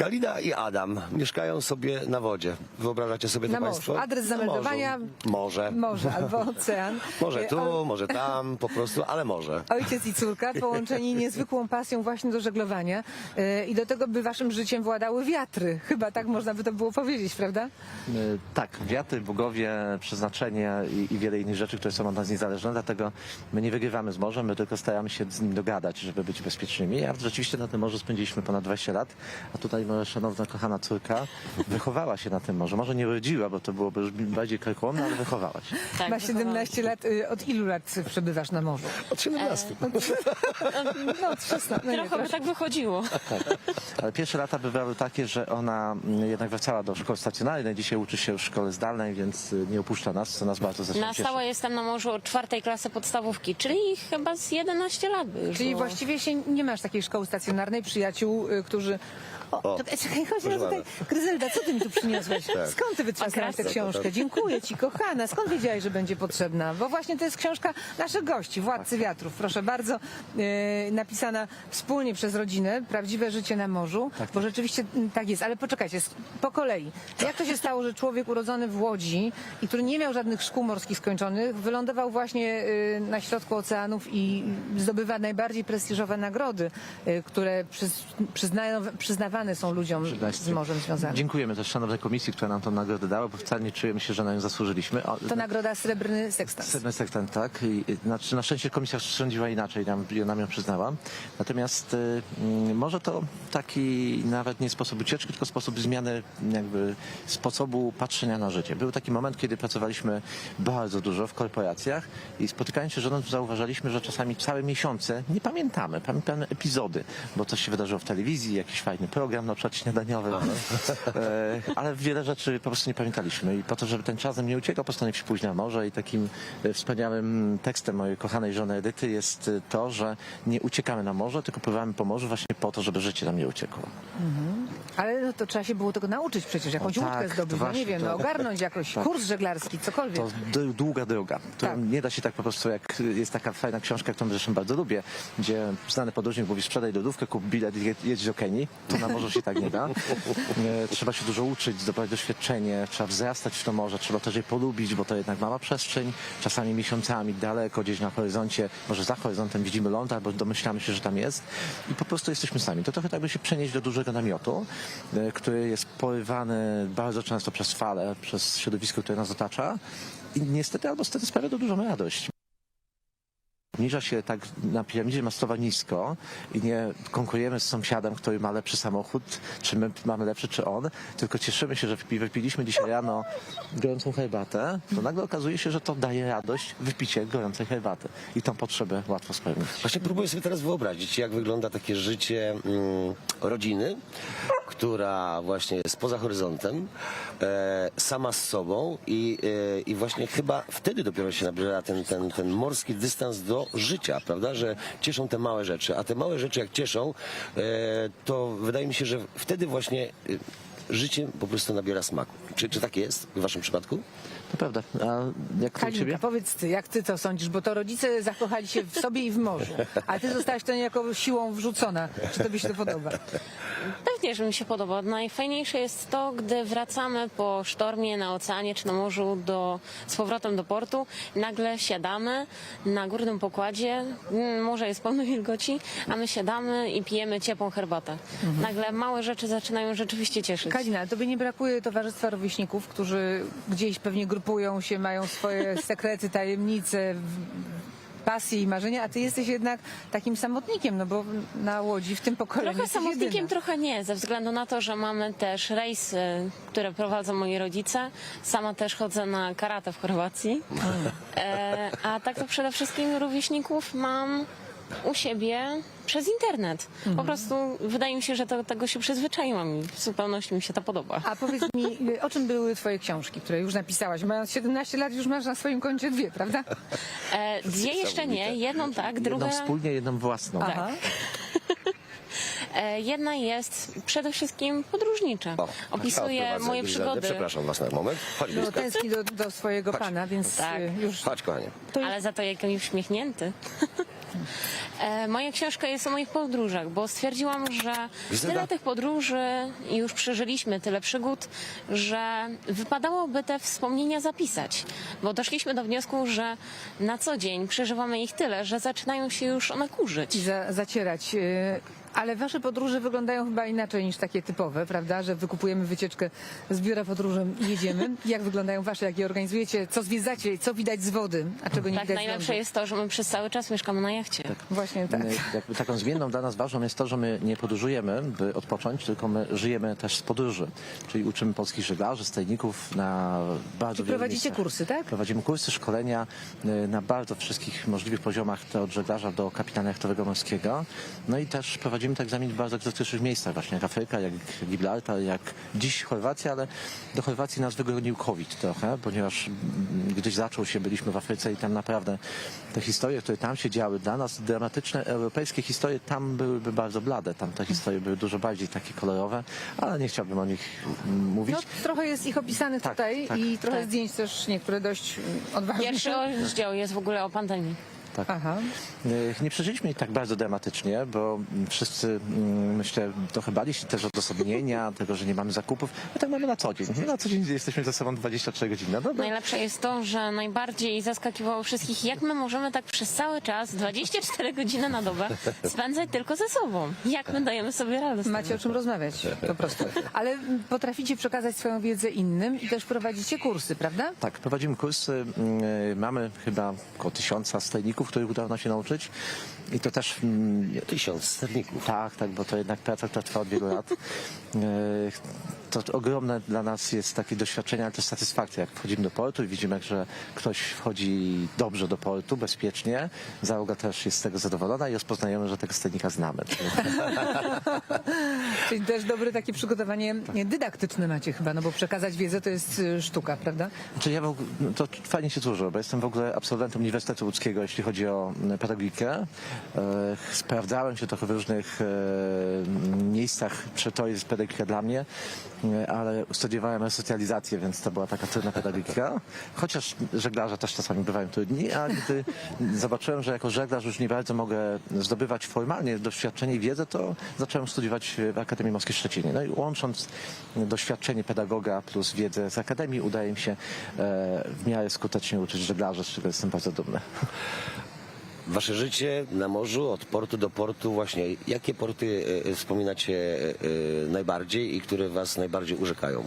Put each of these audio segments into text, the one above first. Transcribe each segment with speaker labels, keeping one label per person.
Speaker 1: Kalina i Adam mieszkają sobie na wodzie. Wyobrażacie sobie to
Speaker 2: Na
Speaker 1: państwo?
Speaker 2: morzu. Adres zameldowania?
Speaker 1: Morze.
Speaker 2: Morze albo ocean.
Speaker 1: Może tu, może tam, po prostu, ale może.
Speaker 2: Ojciec i córka połączeni niezwykłą pasją właśnie do żeglowania i do tego, by waszym życiem władały wiatry. Chyba tak można by to było powiedzieć, prawda?
Speaker 3: Tak, wiatry, bogowie, przeznaczenie i wiele innych rzeczy, które są od nas niezależne, dlatego my nie wygrywamy z morzem, my tylko staramy się z nim dogadać, żeby być bezpiecznymi. A rzeczywiście na tym morzu spędziliśmy ponad 20 lat, a tutaj moja szanowna, kochana córka wychowała się na tym morzu. Może nie rodziła, bo to byłoby już bardziej karkołomne, ale wychowała się.
Speaker 4: Tak,
Speaker 2: Ma 17 lat. Od ilu lat przebywasz na morzu?
Speaker 1: Od 17.
Speaker 2: No, od 16. No nie,
Speaker 4: trochę by tak wychodziło.
Speaker 3: Ale pierwsze lata bywały takie, że ona jednak wracała do szkoły stacjonarnej, dzisiaj uczy się w szkole zdalnej, więc nie opuszcza nas, co nas bardzo zresztą
Speaker 4: Na
Speaker 3: cieszy.
Speaker 4: stałe jestem na morzu od 4. klasy podstawówki, czyli chyba z 11 lat by już
Speaker 2: Czyli
Speaker 4: było.
Speaker 2: właściwie się nie masz takiej szkoły stacjonarnej, przyjaciół, którzy...
Speaker 1: O,
Speaker 2: Czekaj, chodź
Speaker 1: proszę
Speaker 2: tutaj. Gryzelda, co ty mi tu przyniosłeś?
Speaker 1: Tak.
Speaker 2: Skąd ty wytrzaskałaś tę
Speaker 4: Okres.
Speaker 2: książkę? Dziękuję ci, kochana. Skąd wiedziałaś, że będzie potrzebna? Bo właśnie to jest książka naszych gości, Władcy Wiatrów. Proszę bardzo, napisana wspólnie przez rodzinę, Prawdziwe życie na morzu, bo rzeczywiście tak jest. Ale poczekajcie, po kolei. Jak to się stało, że człowiek urodzony w Łodzi i który nie miał żadnych szkół morskich skończonych, wylądował właśnie na środku oceanów i zdobywa najbardziej prestiżowe nagrody, które przyznawane są ludziom z morzem związanym.
Speaker 3: Dziękujemy też szanownej komisji, która nam tę nagrodę dała, bo wcale nie czujemy się, że na nią zasłużyliśmy.
Speaker 2: To nagroda Srebrny Sekstans.
Speaker 3: Srebrny Sekstans, tak. Znaczy, na szczęście komisja sądziła inaczej, nam ją przyznała. Natomiast może to taki nawet nie sposób ucieczki, tylko sposób zmiany jakby sposobu patrzenia na życie. Był taki moment, kiedy pracowaliśmy bardzo dużo w korporacjach i spotykając się z żoną zauważaliśmy, że czasami całe miesiące nie pamiętamy epizody, bo coś się wydarzyło w telewizji, jakiś fajny program, na przykład śniadaniowy, ale wiele rzeczy po prostu nie pamiętaliśmy i po to, żeby ten czas nam nie uciekał, postanowić pójść na morze i takim wspaniałym tekstem mojej kochanej żony Edyty jest to, że nie uciekamy na morze, tylko pływamy po morzu właśnie po to, żeby życie nam nie uciekło.
Speaker 2: Ale no to trzeba się było tego nauczyć przecież, jakąś
Speaker 3: O,
Speaker 2: łódkę
Speaker 3: tak,
Speaker 2: zdobyć,
Speaker 3: to
Speaker 2: no nie
Speaker 3: właśnie,
Speaker 2: wiem,
Speaker 3: to-
Speaker 2: no ogarnąć jakoś kurs żeglarski, cokolwiek.
Speaker 3: To długa droga, którą
Speaker 2: Tak.
Speaker 3: nie da się tak po prostu, jak jest taka fajna książka, którą zresztą bardzo lubię, gdzie znany podróżnik mówi: sprzedaj lodówkę, kup bilet i jedź do Kenii. To na morzu się tak nie da. Trzeba się dużo uczyć, zdobywać doświadczenie, trzeba wzrastać w to morze, trzeba też je polubić, bo to jednak mała przestrzeń, czasami miesiącami daleko, gdzieś na horyzoncie, może za horyzontem widzimy ląd, albo domyślamy się, że tam jest i po prostu jesteśmy sami. To trochę tak by się przenieść do dużego namiotu, który jest porywany bardzo często przez fale, przez środowisko, które nas otacza i niestety albo stety sprawia to dużą radość. Obniża się tak na piramidzie mastowa nisko i nie konkurujemy z sąsiadem, który ma lepszy samochód, czy my mamy lepszy, czy on, tylko cieszymy się, że wypiliśmy dzisiaj rano gorącą herbatę, to nagle okazuje się, że to daje radość wypicie gorącej herbaty i tą potrzebę łatwo spełnić.
Speaker 1: Właśnie próbuję sobie teraz wyobrazić, jak wygląda takie życie rodziny, która właśnie jest poza horyzontem, sama z sobą i właśnie chyba wtedy dopiero się nabiera ten morski dystans do życia, prawda, że cieszą te małe rzeczy, a te małe rzeczy jak cieszą, to wydaje mi się, że wtedy właśnie życie po prostu nabiera smaku. Czy tak jest w waszym przypadku?
Speaker 3: To prawda. A jak to u ciebie?
Speaker 2: Kalinka, powiedz ty, jak ty to sądzisz, bo to rodzice zakochali się w sobie i w morzu, a ty zostałaś to niejako siłą wrzucona. Czy tobie się to podoba?
Speaker 4: Pewnie, że mi się podoba. Najfajniejsze jest to, gdy wracamy po sztormie na oceanie czy na morzu z powrotem do portu. Nagle siadamy na górnym pokładzie, morze jest pełno wilgoci, a my siadamy i pijemy ciepłą herbatę. Nagle małe rzeczy zaczynają rzeczywiście cieszyć.
Speaker 2: Kalina, ale tobie nie brakuje towarzystwa rówieśników, którzy gdzieś pewnie grupują się, mają swoje sekrety, tajemnice, pasje i marzenia, a ty jesteś jednak takim samotnikiem, no bo na Łodzi w tym pokoleniu
Speaker 4: Trochę
Speaker 2: jesteś
Speaker 4: samotnikiem,
Speaker 2: jedyna.
Speaker 4: trochę nie, ze względu na to, że mamy też rejsy, które prowadzą moi rodzice. Sama też chodzę na karate w Chorwacji. A tak to przede wszystkim rówieśników mam u siebie przez internet. Po prostu wydaje mi się, że do tego się przyzwyczaiłam i w zupełności mi się to podoba.
Speaker 2: A powiedz mi, o czym były twoje książki, które już napisałaś? Mając 17 lat już masz na swoim koncie 2, prawda?
Speaker 4: Dwie jeszcze nie, jedną tak, druga...
Speaker 3: Jedną wspólnie, jedną własną.
Speaker 4: Tak.
Speaker 2: Aha.
Speaker 4: Jedna jest przede wszystkim podróżnicza. Opisuje moje przygody.
Speaker 1: Przepraszam was na moment. Chodź
Speaker 2: No,
Speaker 1: blisko.
Speaker 2: tęskni do swojego pana, więc
Speaker 4: Tak.
Speaker 2: już...
Speaker 1: Chodź, kochanie.
Speaker 2: To jest...
Speaker 4: Ale za to jak uśmiechnięty. Moja książka jest o moich podróżach, bo stwierdziłam, że tyle tych podróży i już przeżyliśmy, tyle przygód, że wypadałoby te wspomnienia zapisać. Bo doszliśmy do wniosku, że na co dzień przeżywamy ich tyle, że zaczynają się już one kurzyć.
Speaker 2: I zacierać. Ale wasze podróże wyglądają chyba inaczej niż takie typowe, prawda? Że wykupujemy wycieczkę z biura podróży i jedziemy. Jak wyglądają wasze, jak je organizujecie? Co zwiedzacie? Co widać z wody? A czego nie
Speaker 4: Tak,
Speaker 2: widać z
Speaker 4: najlepsze
Speaker 2: lądu?
Speaker 4: jest to, że my przez cały czas mieszkamy na jachcie.
Speaker 2: Właśnie tak.
Speaker 3: Jakby taką zmienną dla nas ważną jest to, że my nie podróżujemy, by odpocząć, tylko my żyjemy też z podróży. Czyli uczymy polskich żeglarzy, stajników na bardzo
Speaker 2: Czyli
Speaker 3: wielu
Speaker 2: prowadzicie
Speaker 3: miejscach.
Speaker 2: kursy, tak?
Speaker 3: Prowadzimy kursy, szkolenia na bardzo wszystkich możliwych poziomach, to od żeglarza do kapitana jachtowego morskiego. No i też prowadzimy te egzaminy w bardzo egzotycznych miejscach, właśnie jak Afryka, jak Gibraltar, jak dziś Chorwacja, ale do Chorwacji nas wygonił COVID trochę, ponieważ gdyś zaczął się, byliśmy w Afryce i tam naprawdę te historie, które tam się działy, dla nas dramatyczne europejskie historie, tam byłyby bardzo blade, tam te historie były dużo bardziej takie kolorowe, ale nie chciałbym o nich mówić.
Speaker 2: No, trochę jest ich opisanych
Speaker 3: Tak,
Speaker 2: tutaj
Speaker 3: tak.
Speaker 2: i trochę
Speaker 4: Tak.
Speaker 2: zdjęć też niektóre dość odważne.
Speaker 4: Pierwszy rozdział jest w ogóle o pandemii.
Speaker 3: Tak.
Speaker 2: Aha.
Speaker 3: Nie przeżyliśmy ich tak bardzo dramatycznie, bo wszyscy, myślę, trochę bali się też odosobnienia, tego, że nie mamy zakupów. My tak mamy na co dzień. Na co dzień jesteśmy ze sobą 24 godziny. No dobra.
Speaker 4: Najlepsze jest to, że najbardziej zaskakiwało wszystkich, jak my możemy tak przez cały czas, 24 godziny na dobę, spędzać tylko ze sobą. Jak my dajemy sobie radę z tym?
Speaker 2: Macie o czym rozmawiać po prostu. Ale potraficie przekazać swoją wiedzę innym i też prowadzicie kursy, prawda?
Speaker 3: Tak, prowadzimy kursy. Mamy chyba około 1000 stajników, których udało nam się nauczyć. I to też
Speaker 1: 1000 sterników.
Speaker 3: tak, bo to jednak praca, która trwa od wielu lat. To ogromne dla nas jest takie doświadczenie, ale też satysfakcja, jak wchodzimy do portu i widzimy, że ktoś wchodzi dobrze do portu, bezpiecznie. Załoga też jest z tego zadowolona i rozpoznajemy, że tego sternika znamy.
Speaker 2: Czyli też dobre takie przygotowanie dydaktyczne macie chyba, no bo przekazać wiedzę to jest sztuka, prawda?
Speaker 3: Znaczy ja to fajnie się złożyło, bo jestem w ogóle absolwentem Uniwersytetu Łódzkiego, jeśli chodzi o pedagogikę. Sprawdzałem się trochę w różnych miejscach, czy to jest pedagogika dla mnie, ale studiowałem resocjalizację, więc to była taka trudna pedagogika. Chociaż żeglarze też czasami bywają trudni, a gdy zobaczyłem, że jako żeglarz już nie bardzo mogę zdobywać formalnie doświadczenie i wiedzę, to zacząłem studiować w Akademii Morskiej w Szczecinie. No i łącząc doświadczenie pedagoga plus wiedzę z Akademii, udaje mi się w miarę skutecznie uczyć żeglarzy, z czego jestem bardzo dumny.
Speaker 1: Wasze życie na morzu, od portu do portu, właśnie jakie porty wspominacie najbardziej i które was najbardziej urzekają?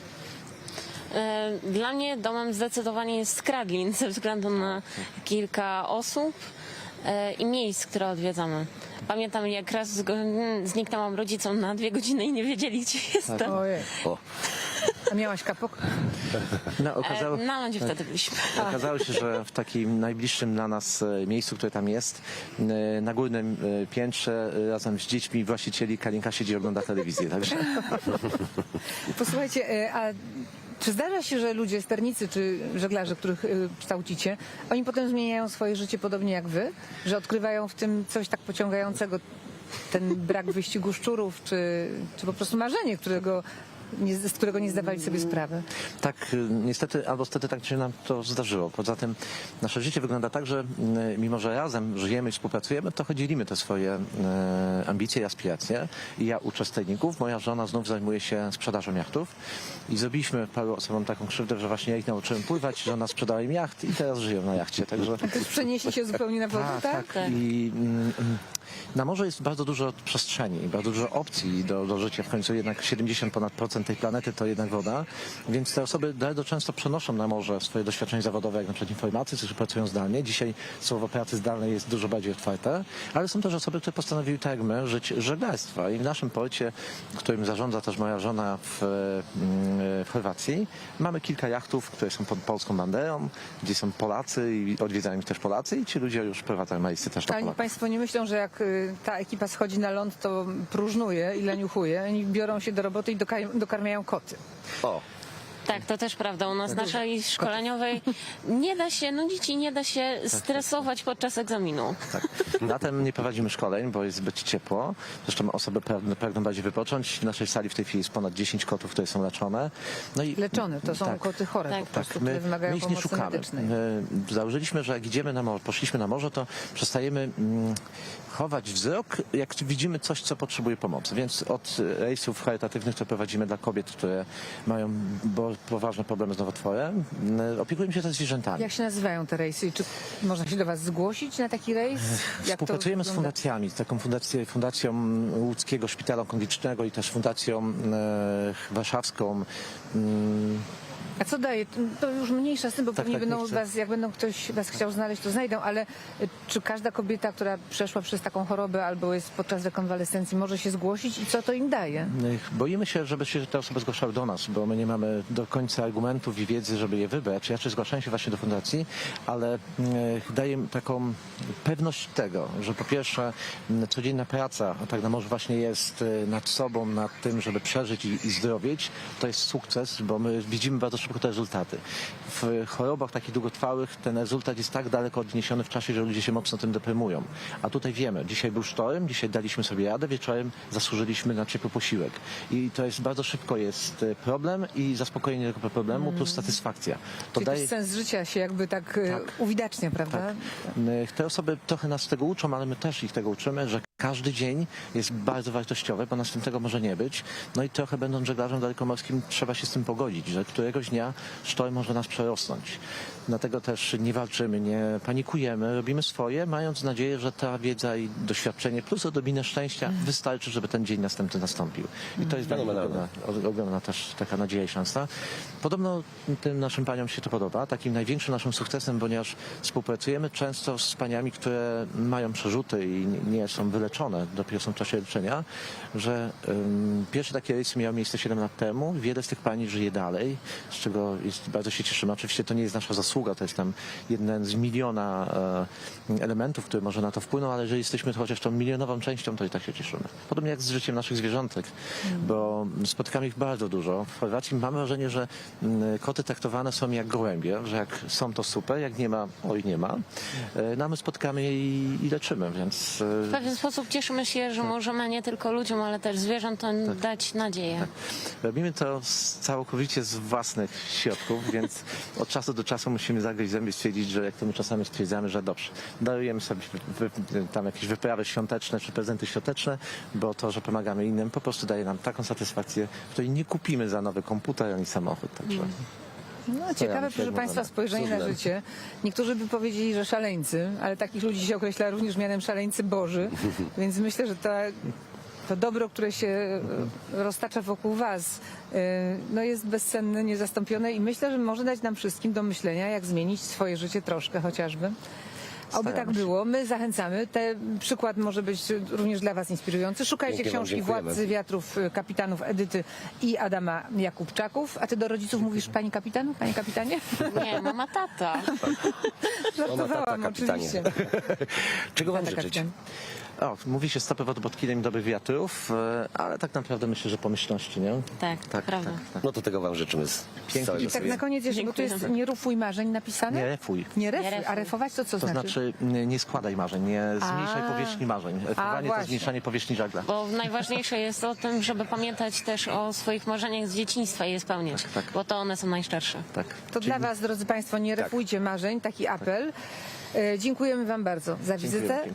Speaker 4: Dla mnie domem zdecydowanie jest Skradlin ze względu na kilka osób i miejsc, które odwiedzamy. Pamiętam, jak raz zniknęłam rodzicom na 2 godziny i nie wiedzieli, gdzie jestem.
Speaker 2: Ojej.
Speaker 1: O,
Speaker 2: A miałaś kapok?
Speaker 3: No,
Speaker 4: Na lądzie wtedy byliśmy.
Speaker 3: Okazało się, że w takim najbliższym dla nas miejscu, które tam jest, na górnym piętrze razem z dziećmi właścicieli Kalinka siedzi i ogląda telewizję. Także
Speaker 2: Posłuchajcie, a czy zdarza się, że ludzie, sternicy czy żeglarze, których kształcicie, oni potem zmieniają swoje życie podobnie jak wy? Że odkrywają w tym coś tak pociągającego, ten brak wyścigu szczurów, czy po prostu marzenie, z którego nie zdawali sobie sprawy?
Speaker 3: tak, niestety, albo stety tak się nam to zdarzyło. Poza tym nasze życie wygląda tak, że mimo, że razem żyjemy i współpracujemy, to dzielimy te swoje ambicje i aspiracje. I ja uczę stajników, moja żona znów zajmuje się sprzedażą jachtów i zrobiliśmy paru osobom taką krzywdę, że właśnie ja ich nauczyłem pływać, żona sprzedała im jacht i teraz żyją na jachcie. Także
Speaker 2: To już przeniesie się zupełnie na wodę, tak?
Speaker 4: Tak.
Speaker 3: I na morzu jest bardzo dużo przestrzeni, bardzo dużo opcji do życia. W końcu jednak 70% ponad tej planety to jednak woda, więc te osoby bardzo często przenoszą na morze swoje doświadczenie zawodowe, jak na przykład informatycy, czy pracują zdalnie. Dzisiaj słowo pracy zdalnej jest dużo bardziej otwarte, ale są też osoby, które postanowiły tak jak my żyć żeglarstwa. I w naszym porcie, którym zarządza też moja żona w Chorwacji, mamy kilka jachtów, które są pod polską banderą, gdzie są Polacy i odwiedzają ich też Polacy i ci ludzie już prowadzą rejsy też do
Speaker 2: Ale
Speaker 3: Polaków.
Speaker 2: państwo nie myślą, że jak ta ekipa schodzi na ląd, to próżnuje i leniuchuje. Oni biorą się do roboty i dokarmiają koty.
Speaker 1: o.
Speaker 4: Tak, to też prawda. U nas naszej szkoleniowej nie da się nudzić i nie da się stresować podczas egzaminu.
Speaker 3: Tak. Latem nie prowadzimy szkoleń, bo jest zbyt ciepło. Zresztą osoby pragną bardziej wypocząć. W naszej sali w tej chwili jest ponad 10 kotów, które są leczone. No i
Speaker 2: Leczone, to są
Speaker 3: tak.
Speaker 2: koty chore
Speaker 4: Tak.
Speaker 2: po prostu,
Speaker 3: Tak,
Speaker 2: które
Speaker 3: my
Speaker 2: wymagają
Speaker 3: ich nie
Speaker 2: pomocy
Speaker 3: szukamy.
Speaker 2: medycznej.
Speaker 3: Założyliśmy, że jak idziemy na morze, poszliśmy na morze, to przestajemy chować wzrok, jak widzimy coś, co potrzebuje pomocy. Więc od rejsów charytatywnych, które prowadzimy dla kobiet, które mają poważne problemy z nowotworem, opiekujemy się też zwierzętami.
Speaker 2: Jak się nazywają te rejsy? Czy można się do was zgłosić na taki rejs? Jak to
Speaker 3: Współpracujemy z
Speaker 2: wygląda?
Speaker 3: fundacjami, taką fundacją Łódzkiego Szpitala Onkologicznego i też fundacją warszawską.
Speaker 2: A co daje? To już mniejsza z tym, bo pewnie
Speaker 3: tak,
Speaker 2: będą
Speaker 3: nie chcę.
Speaker 2: was, jak będą ktoś was chciał znaleźć, to znajdą, ale czy każda kobieta, która przeszła przez taką chorobę albo jest podczas rekonwalescencji, może się zgłosić i co to im daje?
Speaker 3: Boimy się, żeby się te osoby zgłaszały do nas, bo my nie mamy do końca argumentów i wiedzy, żeby je wybrać. Raczej zgłaszają się właśnie do fundacji, ale daje im taką pewność tego, że po pierwsze codzienna praca, a tak na morzu właśnie jest nad sobą, nad tym, żeby przeżyć i zdrowieć, to jest sukces, bo my widzimy bardzo szybko te rezultaty. W chorobach takich długotrwałych ten rezultat jest tak daleko odniesiony w czasie, że ludzie się mocno tym deprymują. A tutaj wiemy, dzisiaj był sztorm, dzisiaj daliśmy sobie radę, wieczorem zasłużyliśmy na ciepły posiłek. I to jest bardzo szybko jest problem i zaspokojenie tego problemu plus satysfakcja. To
Speaker 2: Czyli też sens życia się jakby tak, uwidacznia, prawda?
Speaker 3: Te osoby trochę nas tego uczą, ale my też ich tego uczymy, że każdy dzień jest bardzo wartościowy, bo następnego może nie być. No i trochę będąc żeglarzem dalekomorskim trzeba się z tym pogodzić, że któregoś dnia sztorm może nas przerosnąć. Dlatego też nie walczymy, nie panikujemy, robimy swoje, mając nadzieję, że ta wiedza i doświadczenie plus odrobinę szczęścia wystarczy, żeby ten dzień następny nastąpił. I to jest dla mnie ogromna też taka nadzieja i szansa. Podobno tym naszym paniom się to podoba. Takim największym naszym sukcesem, ponieważ współpracujemy często z paniami, które mają przerzuty i nie są wyleczone, dopiero są w czasie leczenia, że pierwsze takie rejsy miały miejsce 7 lat temu. Wiele z tych pani żyje dalej, z czego bardzo się cieszymy. Oczywiście to nie jest nasza zasługa, to jest tam jeden z miliona elementów, które może na to wpłyną, ale jeżeli jesteśmy chociaż tą milionową częścią, to i tak się cieszymy. Podobnie jak z życiem naszych zwierzątek, bo spotykamy ich bardzo dużo. W Chorwacji mamy wrażenie, że koty traktowane są jak gołębie, że jak są to super, jak nie ma, oj nie ma. No my spotkamy je i leczymy, więc...
Speaker 4: W pewien sposób cieszymy się, że możemy nie tylko ludziom, ale też zwierzętom dać nadzieję.
Speaker 3: Robimy to całkowicie z własnych środków, więc od czasu do czasu musimy zagryźć zęby i stwierdzić, że jak to my czasami stwierdzamy, że dobrze, darujemy sobie tam jakieś wyprawy świąteczne czy prezenty świąteczne, bo to, że pomagamy innym, po prostu daje nam taką satysfakcję, której nie kupimy za nowy komputer ani samochód. Także...
Speaker 2: No, ciekawe,
Speaker 3: myślę,
Speaker 2: proszę
Speaker 3: że
Speaker 2: Państwa,
Speaker 3: można.
Speaker 2: spojrzenie na
Speaker 3: Cudem.
Speaker 2: życie. Niektórzy by powiedzieli, że szaleńcy, ale takich ludzi się określa również mianem szaleńcy Boży, więc myślę, że to dobro, które się roztacza wokół Was, no jest bezcenne, niezastąpione i myślę, że może dać nam wszystkim do myślenia, jak zmienić swoje życie troszkę chociażby. Oby tak
Speaker 3: Staramy się.
Speaker 2: było. My zachęcamy. Ten przykład może być również dla Was inspirujący. Szukajcie
Speaker 1: Pięknie wam
Speaker 2: książki
Speaker 1: dziękujemy.
Speaker 2: Władcy Wiatrów kapitanów Edyty i Adama Jakubczaków. A Ty do rodziców mówisz Pani kapitanu? Panie kapitanie?
Speaker 4: Nie, mama, tata.
Speaker 2: Żartowałam
Speaker 1: kapitanie.
Speaker 2: oczywiście.
Speaker 1: Czego wam
Speaker 2: Tata
Speaker 1: życzyć?
Speaker 2: kapitan.
Speaker 3: Mówi się stopy pod kilem dobrych wiatrów, ale tak naprawdę myślę, że pomyślności, nie?
Speaker 4: Tak, prawda.
Speaker 1: No to tego wam życzymy z całego
Speaker 2: I tak
Speaker 1: serca.
Speaker 2: na koniec jeszcze, bo tu jest nie rufuj marzeń napisane?
Speaker 3: Nie refuj.
Speaker 2: Nie refuj,
Speaker 4: refuj.
Speaker 2: a refować to co
Speaker 3: To
Speaker 2: znaczy?
Speaker 3: znaczy nie składaj marzeń, nie zmniejszaj powierzchni marzeń. Refowanie to
Speaker 2: właśnie.
Speaker 3: zmniejszanie powierzchni żagla.
Speaker 4: Bo najważniejsze jest o tym, żeby pamiętać też o swoich marzeniach z dzieciństwa i je spełniać,
Speaker 3: Tak.
Speaker 4: bo to one są najszczersze.
Speaker 3: Tak.
Speaker 2: To dla Was, drodzy Państwo, nie refujcie marzeń, taki apel. Dziękujemy Wam bardzo za wizytę.
Speaker 3: pięknie.